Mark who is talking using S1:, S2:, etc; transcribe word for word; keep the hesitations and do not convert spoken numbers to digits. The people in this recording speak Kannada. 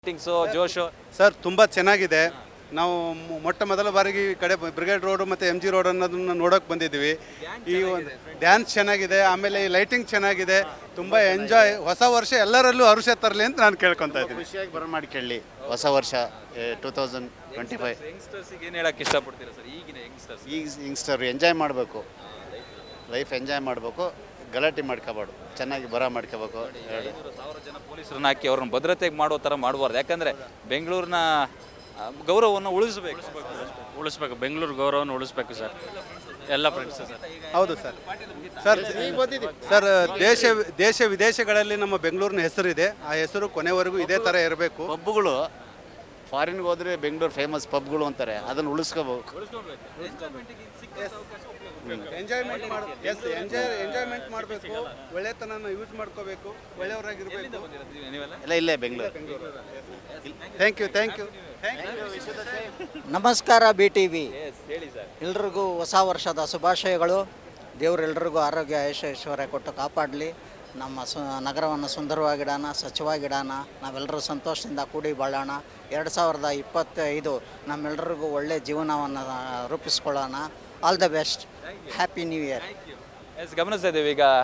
S1: ಥಿಂಗ್ಸು ಜೋಶು
S2: ಸರ್ ತುಂಬ ಚೆನ್ನಾಗಿದೆ. ನಾವು ಮೊ- ಮೊಟ್ಟ ಮೊದಲ ಬಾರಿಗೆ ಈ ಕಡೆ ಬ್ರಿಗೇಡ್ ರೋಡ್ ಮತ್ತು ಎಮ್ ಜಿ ರೋಡ್ ಅನ್ನೋದನ್ನ ನೋಡೋಕೆ ಬಂದಿದ್ದೀವಿ. ಈ ಒಂದು ಡ್ಯಾನ್ಸ್ ಚೆನ್ನಾಗಿದೆ, ಆಮೇಲೆ ಈ ಲೈಟಿಂಗ್ ಚೆನ್ನಾಗಿದೆ, ತುಂಬ ಎಂಜಾಯ್. ಹೊಸ ವರ್ಷ ಎಲ್ಲರಲ್ಲೂ ಹರುಷ ತರಲಿ ಅಂತ ನಾನು ಕೇಳ್ಕೊತಾ ಇದ್ದೀನಿ.
S3: ಖುಷಿಯಾಗಿ ಬರಮಾಡ್ಕೊಳ್ಳಿ ಹೊಸ ವರ್ಷ ಟೂ ತೌಸಂಡ್ ಟ್ವೆಂಟಿ ಫೈವ್.
S1: ಯಂಗ್ಸ್ಟರ್ಸಿಗೆ ಏನು ಹೇಳಕ್ಕೆ ಇಷ್ಟಪಡ್ತೀರಾ ಸರ್ ಈಗಿನ ಯಂಗ್ಸ್ಟರ್ಸ್?
S3: ಈಗ ಯಂಗ್ಸ್ಟರ್ ಎಂಜಾಯ್ ಮಾಡಬೇಕು, ಲೈಫ್ ಎಂಜಾಯ್ ಮಾಡಬೇಕು, ಗಲಾಟೆ ಮಾಡ್ಕೋಬಾರ್ದು, ಚೆನ್ನಾಗಿ ಬರ ಮಾಡ್ಕೋಬೇಕು. ಎರಡು
S1: ಸಾವಿರ ಜನ ಪೊಲೀಸರನ್ನ ಹಾಕಿ ಅವ್ರನ್ನ ಭದ್ರತೆಗೆ ಮಾಡೋ ಥರ ಮಾಡಬಾರ್ದು. ಯಾಕಂದರೆ ಬೆಂಗಳೂರಿನ ಆ, ಗೌರವವನ್ನು ಉಳಿಸಬೇಕು
S4: ಉಳಿಸ್ಬೇಕು, ಬೆಂಗಳೂರು ಗೌರವವನ್ನು ಉಳಿಸ್ಬೇಕು ಸರ್, ಎಲ್ಲ ಫ್ರೆಂಡ್ಸ್ ಸರ್.
S2: ಹೌದು ಸರ್. ಸರ್ ಸರ್ ದೇಶ ದೇಶ ವಿದೇಶಗಳಲ್ಲಿ ನಮ್ಮ ಬೆಂಗಳೂರಿನ ಹೆಸರಿದೆ. ಆ ಹೆಸರು ಕೊನೆವರೆಗೂ ಇದೇ ಥರ ಇರಬೇಕು.
S3: ಪಬ್ಗಳು ಫಾರಿನ್ಗೆ ಹೋದರೆ ಬೆಂಗಳೂರು ಫೇಮಸ್ ಪಬ್ಗಳು ಅಂತಾರೆ, ಅದನ್ನು ಉಳಿಸ್ಕೋಬೇಕು.
S2: ಎಂಜಾಯ್ಮೆಂಟ್ ಮಾಡ ಎಸ್ ಎಂಜಾಯ್ ಎಂಜಾಯ್ಮೆಂಟ್ ಮಾಡಬೇಕು, ಒಳ್ಳೆತನನ ಯೂಸ್ ಮಾಡ್ಕೋಬೇಕು, ಒಳ್ಳೆಯವರಾಗಿರಬೇಕು.
S1: ನೀವೆಲ್ಲ
S3: ಎಲ್ಲ ಇಲ್ಲೇ Bengaluru.
S2: Thank you thank you
S5: ನಮಸ್ಕಾರ ಬಿ ಟಿ ವಿ
S1: ಹೇಳಿ ಸರ್.
S5: ಎಲ್ರಿಗೂ ಹೊಸ ವರ್ಷದ ಶುಭಾಶಯಗಳು. ದೇವರೆಲ್ಲರಿಗೂ ಆರೋಗ್ಯ ಐಶ್ವರ್ಯ ಐಶ್ವರ್ಯ ಕೊಟ್ಟು ಕಾಪಾಡಲಿ. ನಮ್ಮ ಸು ನಗರವನ್ನು ಸುಂದರವಾಗಿಡೋಣ, ಸ್ವಚ್ಛವಾಗಿಡೋಣ, ನಾವೆಲ್ಲರೂ ಸಂತೋಷದಿಂದ ಕೂಡಿ ಬಾಳೋಣ. ಎರಡು ಸಾವಿರದ ಇಪ್ಪತ್ತೈದು ನಮ್ಮೆಲ್ಲರಿಗೂ ಒಳ್ಳೆಯ ಜೀವನವನ್ನು ರೂಪಿಸ್ಕೊಳ್ಳೋಣ. All the best, happy new year.
S1: Yes ಗಮನಿಸ್ತಾ ಇದ್ದೀವಿ ಈಗ